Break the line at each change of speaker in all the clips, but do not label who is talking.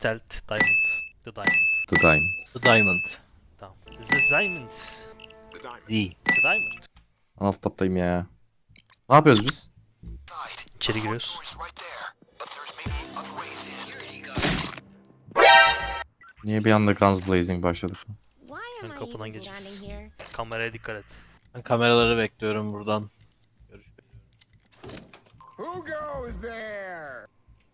Stealth Diamond. The Diamond.
The Diamond.
The Diamond.
Tamam. The Diamond.
Z.
The Diamond.
Alt taptayım ya. Ne yapıyoruz biz?
İçeri giriyoruz.
Niye bir anda Guns Blazing başladık?
Ön kapıdan geçeceğiz. Kameraya dikkat et.
Ben kameraları bekliyorum buradan. Görüş bekliyorum.
Who goes there?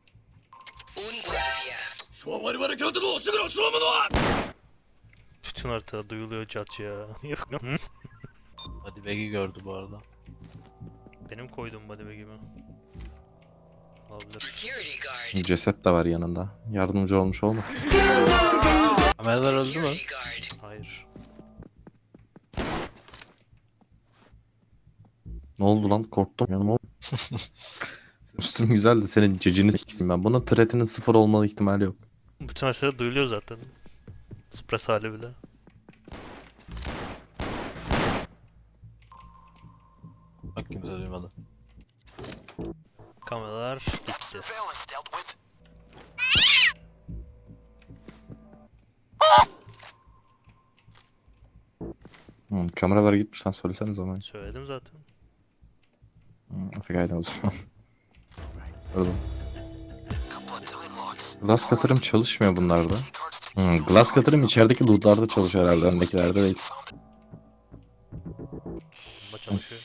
Bütün haritada duyuluyor cat ya. Yok lan.
Hadi Bag'i gördü bu arada.
Benim koyduğum body bag'imi. Olabilir.
Ceset de var yanında. Yardımcı olmuş olmasın?
Kameralar öldü mü?
Hayır.
Ne oldu lan? Korktum. Yanıma Üstüm güzeldi. Senin cecini s**eyim ben. Bunun threatinin 0 olma ihtimali yok.
Bütün haritada duyuluyor zaten. Suppress hali bile.
Bak kimse duymadı.
Kameralar gitti.
Kameralar gitmiş lan, söylesene zaman.
Söyledim zaten.
Afiyet o zaman. Pardon. Glass cutter'ım çalışmıyor bunlarda. Glass cutter'ım içerideki loot'larda çalışıyor herhalde. Öndekilerde değil.
Bunda çalışıyor.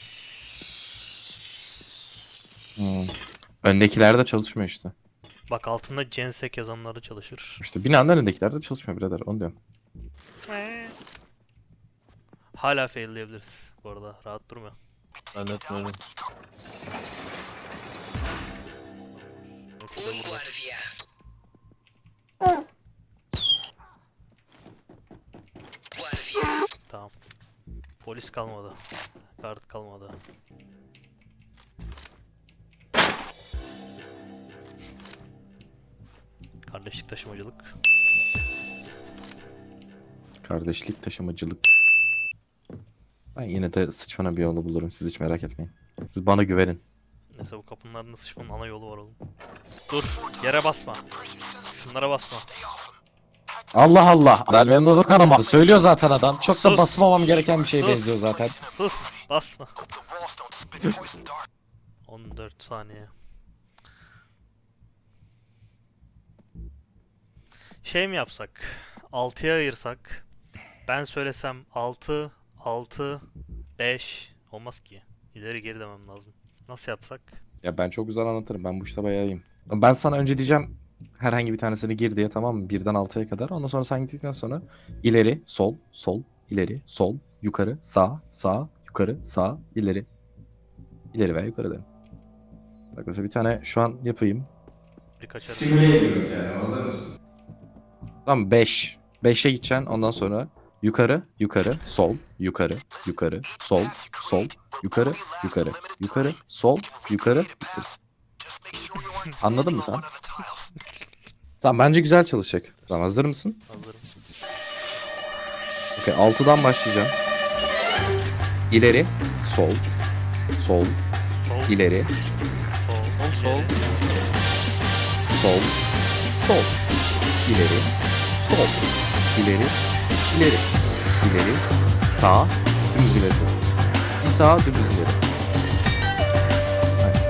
Öndekilerde çalışmıyor işte.
Bak altında Gensek yazanları çalışır.
İşte binanın önündekilerde çalışmıyor birader. Onu diyorum.
Hala failleyebiliriz bu arada. Rahat durma.
Zannetmiyorum.
Yoksa da vurmak. Tamam. Polis kalmadı. Kart kalmadı. Kardeşlik taşımacılık.
Kardeşlik, taşımacılık. Ben yine de sıçmana bir yolu bulurum. Siz hiç merak etmeyin. Siz bana güvenin.
Neyse bu kapının ardında sıçmanın ana yolu var oğlum. Dur, yere basma. Şunlara basma.
Allah Allah. Benim de dokunamadı. Söylüyor zaten adam. Çok da
Sus.
basmamam gereken bir şeye
Sus.
benziyor zaten.
Sus, basma. 14 saniye. Şey mi yapsak? 6'ya ayırsak. Ben söylesem 6, 6, 5 olmaz ki. İleri geri demem lazım. Nasıl yapsak?
Ya ben çok güzel anlatırım. Ben bu işte bayağı iyiyim. Ben sana önce diyeceğim herhangi bir tanesini gir diye, tamam mı? 1'den 6'ya kadar. Ondan sonra sen gittikten sonra ileri, sol, sol, ileri, sol, yukarı, sağ, sağ, yukarı, sağ, ileri. İleri veya yukarı derim. Bak mesela bir tane şu an yapayım.
Birkaç
Simüle ediyorum yani, hazır mısın? Tamam 5. 5'e gideceksin, ondan sonra yukarı, yukarı, sol, yukarı, yukarı, sol, sol, yukarı, yukarı, yukarı, sol, yukarı, bitti. Anladın mı sen? Tamam bence güzel çalışacak. Tamam hazır mısın?
hazırım.
Okey 6'dan başlayacağım. İleri, sol, sol,
Sol,
ileri,
sol,
Sol.
sol, sol, ileri, sol, ileri, ileri, ileri, sağ, dümdüz ileri. Bir sağ, dümdüz ileri. Aynen.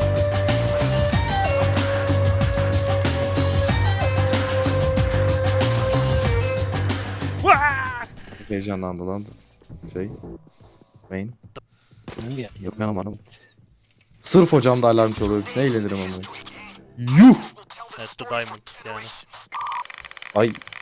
Vaa!
Çok heyecanlandı lan. Main.
Hangi?
Yok yanım hanım. Sırf hocam da alarm çalıyormuş. Ne eğlenirim ama. Yuh!
Evet, The Diamond yani.
Ay